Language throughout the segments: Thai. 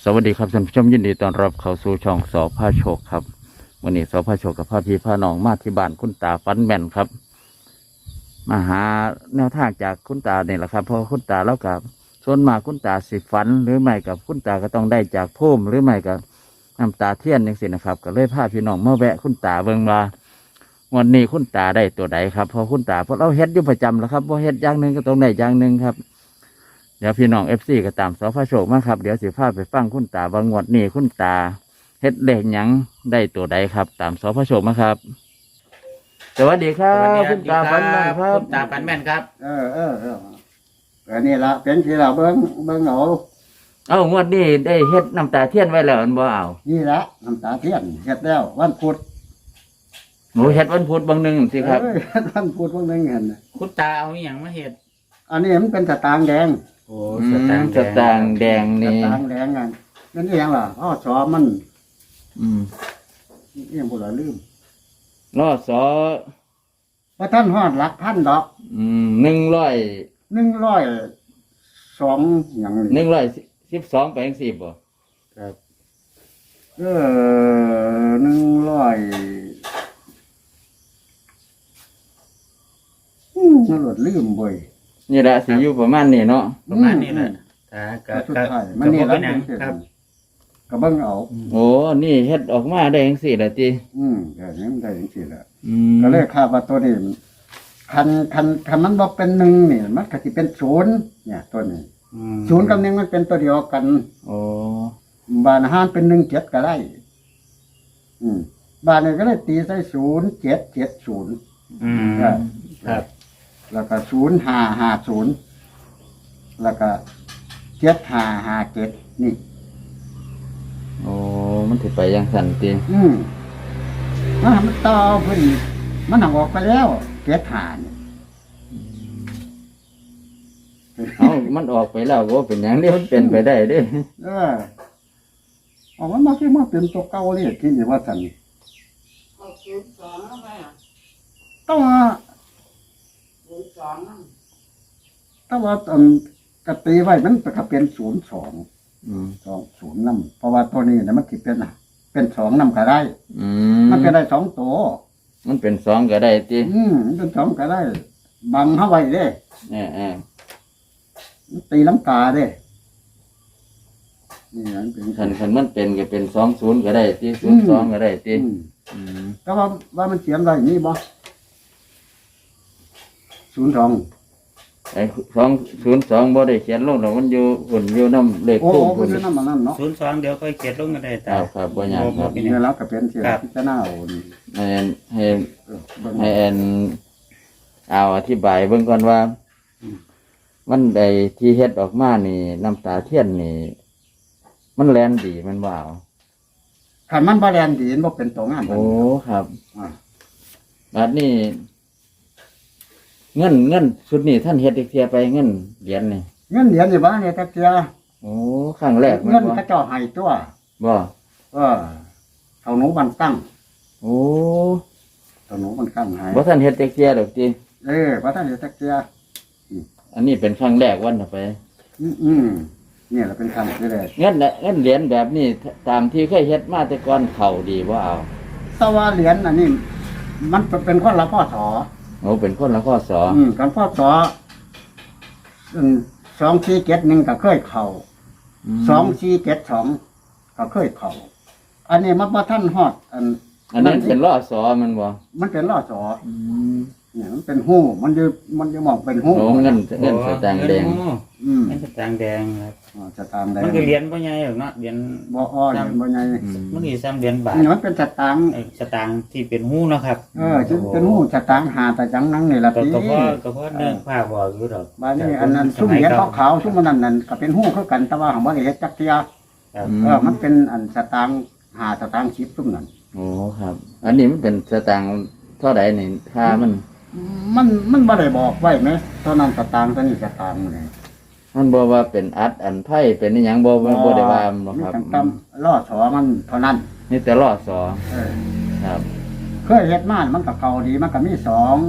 วัสดีครับท่านผู้ชมยินดีต้อนรับเข้าสู่ช่องสอพาโชคครับวันนี้สอพาโชคกับพาพี่พาน้องมาที่บ้านคุณตาฟันแม่นครับมาหาแนวทางจากคุณตาเนี่ยแหละครับเพราะคุณตาแล้วกับส่วนมากคุณตาสิฝันหรือไม่กับคุณตาก็ต้องได้จากพุ่มหรือไม่กับน้ำตาเทียนอย่างสินะครับก็เลยพาพี่น้องมาแวะคุณตาเบิ่งว่าวันนี้คุณตาได้ตัวใดครับเพราะคุณตาเพราะเราเฮ็ดอยู่ประจำแล้วครับเพราะเฮ็ดอย่างหนึ่งก็ต้องได้อย่างหนึ่งครับเดี๋ยวพี่น้องFCก็ตามสพโชคมาครับเดี๋ยวสิพาไปฟังคุณตาบางงวดนี้คุณตาเฮ็ดเลขหยังได้ตัวใดครับ ตามสพโชคมาครับสวัสดีครับคุณตาฟันแม่นครับคุณตาฟันแม่นครับอันนี้ละเป็นที่เราเบิ้งเอางวดนี้ได้เฮ็ดน้ำตาเทียนไว้แล้วอันบ่เอานี่ละน้ำตาเทียนเฮ็ดแล้ววันพุธหนูเฮ็ดวันพุธบางหนึงสิครับเฮ็ดวันพุธวันหนึงเห็นน่ะคุณตาเอาอหย่างมาเห็ดอันนี้มันเป็นสตางค์แดงโอ้สตางค์แดงสนี่ตางค์แดงกันนั่นเองล่ะอ้อสอมันอืมเอียงบ่ละลืมรอสอว่าท่านฮอดหลักพันดอก 100 102หยังนี่ 112ไปจังซี่บ่ครับ100มันหลดลืมเว้ยนี่แหละสิอยู่ประมาณนี้เนาะประมาณนี้แหละตาก็ก็สุดก็ท้ายก็มันนี่บ่ละเป็นหยังครับก็เบิ่งเอาโอ้นี่เฮ็ดออกมาได้จังซี่ล่ะติก็ยังได้จังซี่แหละอืมก็เลยคาดว่าตัวนี้คันมันบ่เป็นหนึ่งนี่มันก็สิเป็นศูนย์เนี่ยตัวนี้ศูนย์กับหนึ่งมันเป็นตัวเดียวกันโอ้บานอาหารเป็น17ก็ได้ บานนี้ก็เลยตีใส่0770 อืม ครับแล้วก็0550แล้วก็7557นี่โอ้มันสิไปจังซั่นติมันต่อเพิ่นมันหักออกไปแล้ว75นี่มันออกไปแล้วก็เป็นหยังนี่มันเป็นไปได้เด้มันมาคือมาเป็นตัวเก่าเลยที่นี่ว่าซั่นต้องว่ากตีไว้มันก็เป็น0220นำเพราะว่าตัวนี้เนี่ยมันสิเป็น2นำก็ได้ มันก็ได้2ตัวมันเป็น2ก็ได้ติมันเป็น2ก็ได้ บังเฮาไว้เด้เออตีลังกาเด้นี่มันเป็นคันมันเป็นก็เป็น20ก็ได้ติ02ก็ได้ติแต่ว่ามันเขียนไว้นี่บ่02 ไอ้202บ่ได้เขียนลงดอกมันอยู่หุ่นอยู่นำเลขโอ้ทูปโหมันนำมันนั่นเนาะ 02เดี๋ยวค่อยเก็บลงกันได้คตารับบ่ยากครับนี่แล้วก็เป็นเสียพิจารณาเอานี่ให้เบิ่งให้เอาอธิบายเบิ่งก่อนว่า มันได้ที่เฮ็ดออกมานี่น้ำตาเทียนนี่ มันแลนดีมันบ่เอาคันมันบ่แลนดีมันบ่เป็นตัวงามโอ้ครับอ่าบัดนี้เงินชุดนี้ท่านเฮ็ดอีกเทียไปเงินเหรียญนี่เงินเหรียญนี่บ่เนี่ยตะเกียโอ้ครั้งแรกมันเงินบ่เขาเจ้าให้ตัวบ่เขาหนูบันตั้งโอ้เขาหนูบันตั้งให้บ่ท่านเฮ็ดอีกเทียดอกติว่าท่านเดี๋ยวตะเกียอันนี้เป็นครั้งแรกวันน่ะไปเนี่ยเราเป็นคำที่แรกเงินเหรียญแบบนี้ตามที่เคยเฮ็ดมาแต่ก่อนเข้าดีบ่เอาแต่ว่าเหรียญอันนี้มันเป็นคนละพ่อสอโอ้เป็นคนละข้อสอกันพ่อสอ2471ก็เคยเข้า2472ก็เคยเข้าอันนี้มันบ่ทันฮอดอันนั้นเป็นล้อสอมันบ่มันเป็นล่อสอเนี่ยมันเป็นหู้มันจะมองเป็นหู้โอ้เงินสตางค์แดงเงินสตางค์แดงครับสตางค์แดงมันคือเหรียญบ่ใหญ่หรอกเนาะเหรียญบ่อ้อยบ่ใหญ่มันคือซ้ำเหรียญบาทนี่มันเป็นสตางค์สตางค์ที่เป็นหู้เนาะครับจึงเป็นหู้สตางค์หาแต่จังนั้นนี่ล่ะก็พี่ก็เพราะเนื่องผ้าบอกอยู่ดอกบ้านนี้อันนั้นซุ่มเหรียญขาวๆซุ่มมันนั่นก็เป็นหู้คือกันแต่ว่าของบ่ได้เฮ็ดจักเที่ยครับมันเป็นอันสตางค์หาสตางค์10ซุ่มนั่นโอ้ครับ อันนี้มันเป็นสตางค์เท่าใดนี่ค่ามันบ่ได้บอกไว้ไหมตอนนั้นสตางค์ตอนนี้สตางค์นี่มันบอกว่าเป็นอันไพ่เป็นนี่หยังบ่ได้ว่าบ่ครับมีตั้งล่อสอมันเท่านั้นนี่แต่ล้อสอครับเคยเฮ็ดมามันก็เก่าดีมันก็มี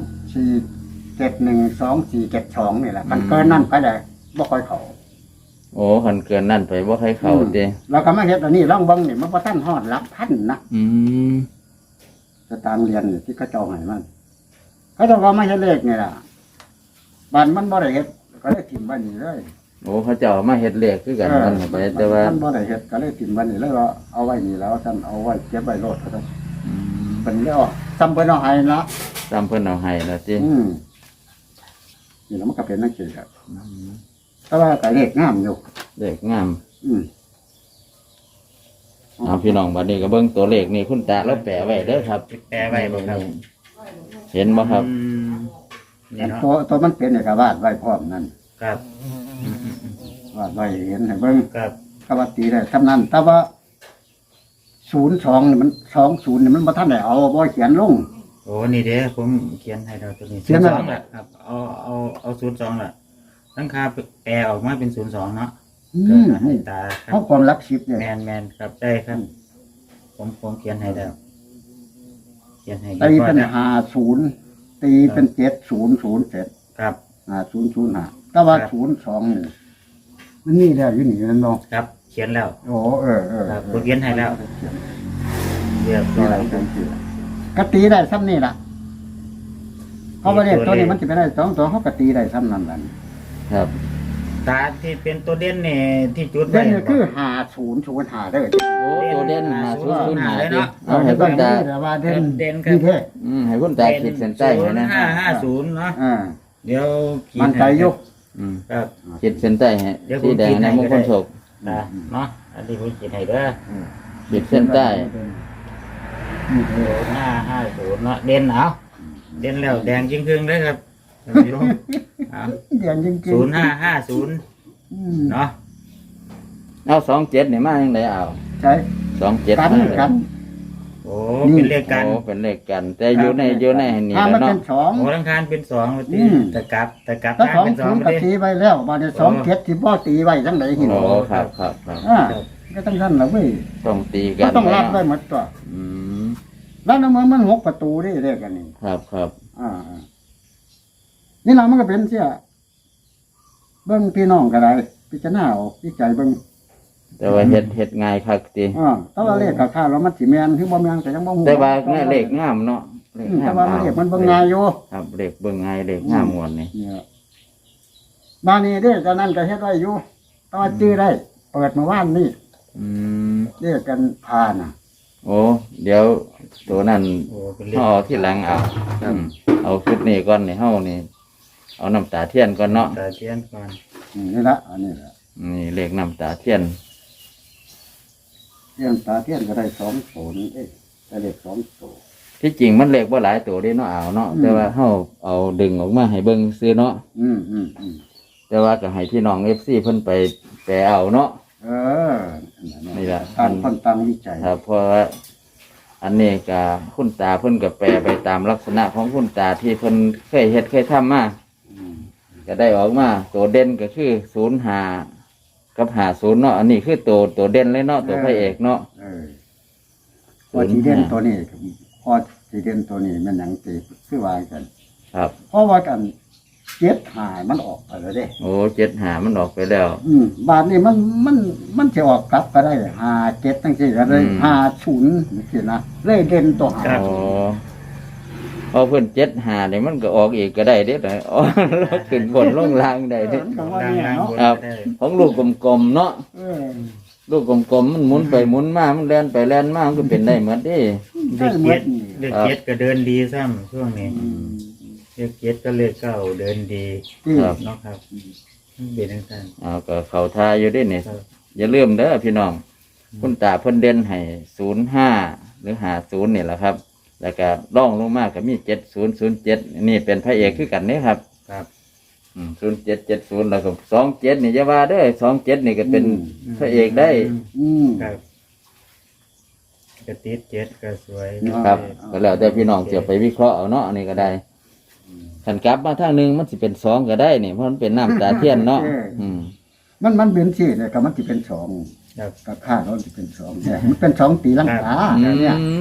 2471 2472นี่แหละมันเกินนั้นก็ได้บ่ค่อยเข้าโอ้คันเกินนั่นไปบ่ให้เข้าเด้เราก็มาเฮ็ดอันนี้ลองเบิ่งนี่มันบ่ทันฮอดหลักพันนะอืมสตางค์เรียนนี่ที่เขาเจ้าให้มันเขาเจ้าก็มาเฮ็ดเลขนี่ล่ะบ้านมันบ่ได้เฮ็ดก็เลยถิ่มไว้นี่เลยโอ้เขาเจ้ามาเฮ็ดเลขคือกันมันไปแต่ว่ามันบ่ได้เฮ็ดก็เลยถิ่มไว้นี่เลยว่าเอาไว้นี่แล้วท่านเอาไว้เก็บไว้โลดก็ได้อืมเป็นแล้วซ้ำเพิ่นเอาให้ละตามเพิ่นเอาให้แล้วตินี่แล้วมันก็เป็นนักเขียนครับแต่ว่าก็เลขงามอยู่เลขงามอืมเอาพี่น้องบัดนี้ก็เบิ่งตัวเลขนี่คุณตาเราแปะไว้เด้อครับแปลไว้บ่ครับเห็นบ่ครับนี่เนาะตัวมันเป็นเนี่ยก็วาดไว้พร้อมนั่นครับวาดไว้เห็นให้เบิ่งครับก็ว่าตีได้ทำนั้นแต่ว่า02นี่มัน20นี่มันบ่ทันได้เอาบ่เขียนลงโอ้นี่เด้ผมเขียนให้เราตัวนี้เขียนไว้ 02ล่ะครับเอา02ล่ะตั้งค่าแปลออกมาเป็น02เนาะอืเกิมดให้นี่ตาครัเพราะบความรักชิปเนี่ยแมนครับได้ครับ ผมเขียนให้แล้วเขียนให้ตีเป็นนะ 50ตีเป็น7007 ครับ 5005แต่ว่า02นี่มันนี่แล้วอยู่นี่นั่นเนาะครับ เขียนแล้วโอ้เออครับผมเขียนให้แล้ว เรียบร้นี่อแหละยเป็นชื่อก็ตีได้ซ้ำนี่ล่ะเพราะว่าเลขตัวนี้มันจะเป็นได้2ตัวเขาก็ตีได้ซ้ำนั่นแหละครับตาที่เป็นตัวเด่นนี่ที่จุดเด่ไว้นนี่คือ5005เด้อโอ้ตัวเด่นมาศูนย์ศูนย์หาเลยดิเนาะเอาให้คุณตาแต่ว่าเด่นเด่นครับนี่แท้ให้คุณตาขีดเส้นใต้ให้นะ 0550เนาะอ่าเดี๋ยวขีดมันใจยกอืมครับขีดเส้นใต้ให้เดี๋ยวผมสีแดงขีดให้ในมงคลโศกตาเนาะอันนี้ผมขีดให้เด้อขีดเส้นใต้นี่เด้อ 0550เนาะเด่นเอาเด่นแล้วแดงจริงครึ่งเลยครับท่านผู้ชมเอาเด่นจริงๆ 0550 อืมเนาะเอา27นี่มาจังไดเอาใช่ 27 กันมาเลยกันโอ้เป็นเลขกันโอ้เป็นเลขกัน แต่อยู่ในนี่ถ้าแล้มัวน เนาะเป็นสองโอ้ทั้งคานเป็น2ว่าติอืมตะกลับถ้าทางสองเป็นศูนย์ 2 ก็ดิตีไว้แล้วบาดนี้2 7ที่พ่อตีไว้จังไดหินโอ้ครับครับครับอ่าก็ต้องท่านละเว้ยต้องตีกัก็นต้องรับไว้เนาะหมดตัวอืมแล้วน้ำมัน6ประตูได้เรียกกันนี่ครับครับอ่านี่เรามันก็เป็นเสียเบิ่งพี่น้องก็ได้พิจารณาเอาพิจัยเบิ่งแต่ว่าเฮ็ดง่ายคักติแต่ว่าเลขกับข้าวแล้วมันสิแม่นคือบ่แม่นก็ยังบ่ฮู้แต่ว่าแม่เลขงามเนาะเลขงาแต่มว่ามันเลขมันเบิ่งง่ายอยู่ครับเลขเบิ่งง่ายเลขงามม่วนนี่เนี่ยบ้านนี้เด้ตอนนั้นก็เฮ็ดไว้อยู่แต่ว่าจื้อได้ เปิดเมื่อวานนี่อืมเรียกกันพาน่ะโอ้เดี๋ยวตัวนั้นโอ้เป็นเลขเฮาเอาที่หลังเอาเอาชุดนี้ก่อนนี่เฮานี่ เอาน้ำตาเทียนก่อนเนาะตาเทียนก่อนนี่ละอันนี้ละนี่เลขน้ำตาเทียนเทียนตาเทียนก็ได้2 0ได้เลข2ตัวที่จริงมันเลขบ่หลายตัวเด้เนาะเอาเนาะอืมแต่ว่าเฮาเอาดึงออกมาให้เบิ่งซื้อเนาะอืมแต่ว่าก็ให้พี่น้อง FC เพิ่นไปแปลเอาเนาะเออนี่ล่ะต่างคนต่างวิจัยครับเพราะว่าอันนี้ก็คุณตาเพิ่นก็แปลไปตามลักษณะของคุณตาที่เพิ่นเคยเฮ็ดเคยทำมาอืมก็ได้ออกมาตัวเด่นก็คือ05กับ50เนาะอันนี้คือตัวเด่นเลยเนาะตัวพระเอกเนาะเออพอสีเด่นตัวนี้พอสีเด่นตัวนี้มันหยังตีคือว่ากันครับเพราะว่ากัน7 5มันออกไปแล้วเด้โอ้75มันออกไปแล้วบาทนี้มันจะออกกลับก็ได้57จังซี่ก็ได้50จังซี่นะเลยเด่นตัวหาอ๋อพอเพิ่น75นี่มันก็ออกอีกก็ได้เด้ออ๋อแล้วขึ้นบนลงล่างได้เด้มันก็ว่าเนี่ยเนาะครับ ของลูกกลมๆเนาะเออลูกกลมๆมันหมุนไปหมุนมามันแล่นไปแล่นมามันก็เป็นได้หมดเด้เลขเจ็ดเลขเจ็ดก็เดินดีซ้ำช่วงนี้เลขเจ็ดก็เลขเก้าเดินดีที่ครับเนาะครับเบียดทั้งเอาก็เข้าทาอยู่เด้นี่ครับอย่าลืมเด้อพี่น้อง คุณตาเพิ่นเด่นให้05หรือ50นี่แหละครับ แล้วก็ร่องลงมาก็มี7007นี่เป็นพระเอกคือกันนี่ครับครับ 0770แล้วก็27นี่อย่าว่าเด้อ27นี่ก็เป็นพระเอกได้อืมครับกระติดเจ็ดก็สวยครับก็แล้วแต่พี่น้องจะไปวิเคราะห์เอาเนาะอันนี้ก็ได้ขันกลับมาทางหนึงมันสิเป็น2ก็ได้นี่เพราะมันเป็นน้ำตาเทียนเนาะอืมมันเป็นสิเนี่ยก็มันสิเป็น2 ครับกับค่าเราสิเป็น2เนี่ยมันเป็น2ตีลังกาอืเนี่ยม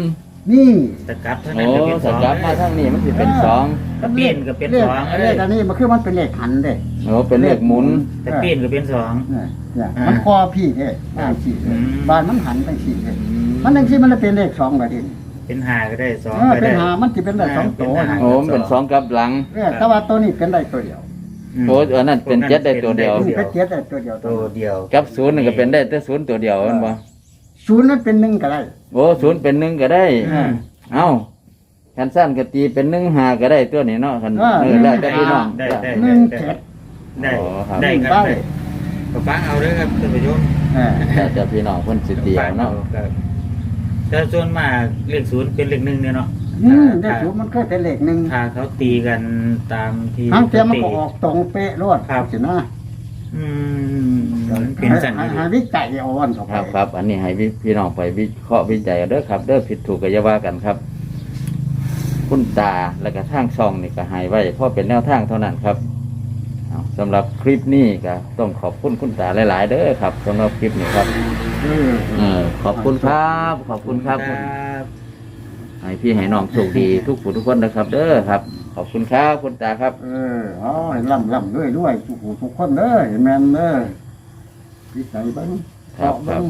นี่ตะกลับเท่าโอ้นั้นก็เป็นสสองกลับมาทางนี้มันสิเป็นสองตะเปลี่ยนก็เป็นเลขสองเลขอันนี้มันคือมันเป็นเลขหันเด้โอ้เป็นเลขหมุนตะเปลี่ยนก็เป็นสองเนี่ยอ่ามัมันคอพี่เด้บ้านสี่อืมบ้านมันหันไปสี่เด้มันจังซี่มันเลยเป็นเลข2ก็ดิเป็นหาก็ได้สองเออก็เป็นได้หามันสิเป็นได้2ตัวเป็นหาโอ้มันเป็นสองกลับหลังแต่ว่าตัวนี้เป็นได้ตัวเดียวโอ้อันนั้นเป็นเจ็ดได้ตัวเดียวนี่ก็เจ็ดได้ตัวเดียวตัวเดียวกับศูนย์นี่ก็เป็นได้แต่ศูนย์ตัวเดียวแมันบ่ศูนย์นั้นเป็นหนึ่งก็ได้โอ้ศูนย์เป็นหนึ่งก็ได้อืมเอ้าคันสั้นก็ตีเป็นหนึ่งหาก็ได้ตัวนี้เนาะคันอ่าแล้วแต่พี่น้องได้ได้หนึ่งเจ็ดได้อ๋อครับได้ครับได้ได้ก็ฟังเอาเด้อครับท่านผู้ชมเออแต่จะพี่น้องเพิ่นสิตีเอาเนาะครับแต่ส่วนมากเลขศูนย์เป็นเลขหนึ่งเนี่ยเนาะเลขศูนย์มันเคยเป็นเลขหนึ่งถ้าเขาตีกันตามที่ทั้งเทียมมันตีก็ออกตรงเป๊ะรวดครับสินะอืมเป็นสันนิษหาฐานวิจัยเอาวันเข้าคไปรับครับ อันนี้ให้พี่น้องไปวิเคราะห์วิจัยเอาเด้อครับ เด้อผิดถูกก็อย่าว่ากันครับ คุณตาและก็ทางช่องนี่ก็ให้ไว้เพราะเป็นแนวทางเท่านั้นครับเอาสำหรับคลิปนี้ก็ต้องขอบคุณคุณตาหลายๆเด้อครับสำหรับคลิปนี้ครับ ขอบคุณครับ ขอบคุณครับครับให้พี่ให้น้องโชคดีทุกผู้ทุกคนนะครับ เด้อครับ ขอบคุณครับคุณตาครับอ๋อให้ล่ำด้วยทุกผู้ทุกคนเด้อเห็นแม่นเด้อวิจัยเบ้างครับเาะเง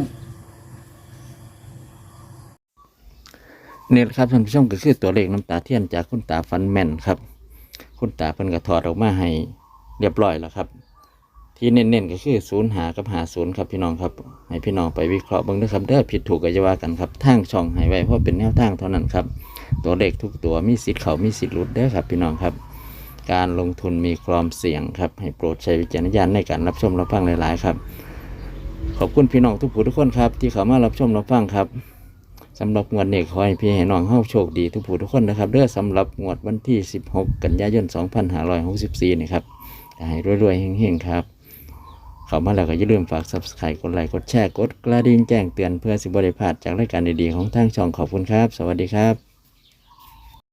นี่แหละครับท่านผู้ชมก็คือตัวเลขน้ำตาเทียนจากคุณตาฟันแม่นครับ คุณตาเพิ่นก็ถอดออกมาให้เรียบร้อยแล้วครับ ที่เน้นๆก็คือ0 กับ50ครับพี่น้องครับ ให้พี่น้องไปวิเคราะห์เบิ่งด้วยครับเด้อผิดถูกก็อย่าว่ากันครับทางช่องให้ไว้เพราะเป็นแนวทางเท่านั้นครับ ตัวเลขทุกตัวมีสิทธิ์เข้ามีสิทธิ์หลุดเด้อครับพี่น้องครับ การลงทุนมีความเสี่ยงครับให้โปรดใช้วิจารณญาณในการรับชมรับฟังหลายๆครับ ขอบคุณพี่น้องทุกผู้ทุกคนครับที่เข้ามารับชมรับฟังครับสำหรับงวดนี้ขอให้พี่ให้น้องเฮาโชคดีทุกผู้ทุกคนนะครับเด้อสำหรับงวดวันที่16 กันยายน 2564นี่ครับให้รวยๆเฮงๆครับเข้ามาแล้วก็อย่าลืมฝาก Subscribe กดไลค์กดแชร์กดกระดิ่งแจ้งเตือนเพื่อสิบ่ได้พลาดจากรายการดีๆของทางช่องขอบคุณครับสวัสดีครับ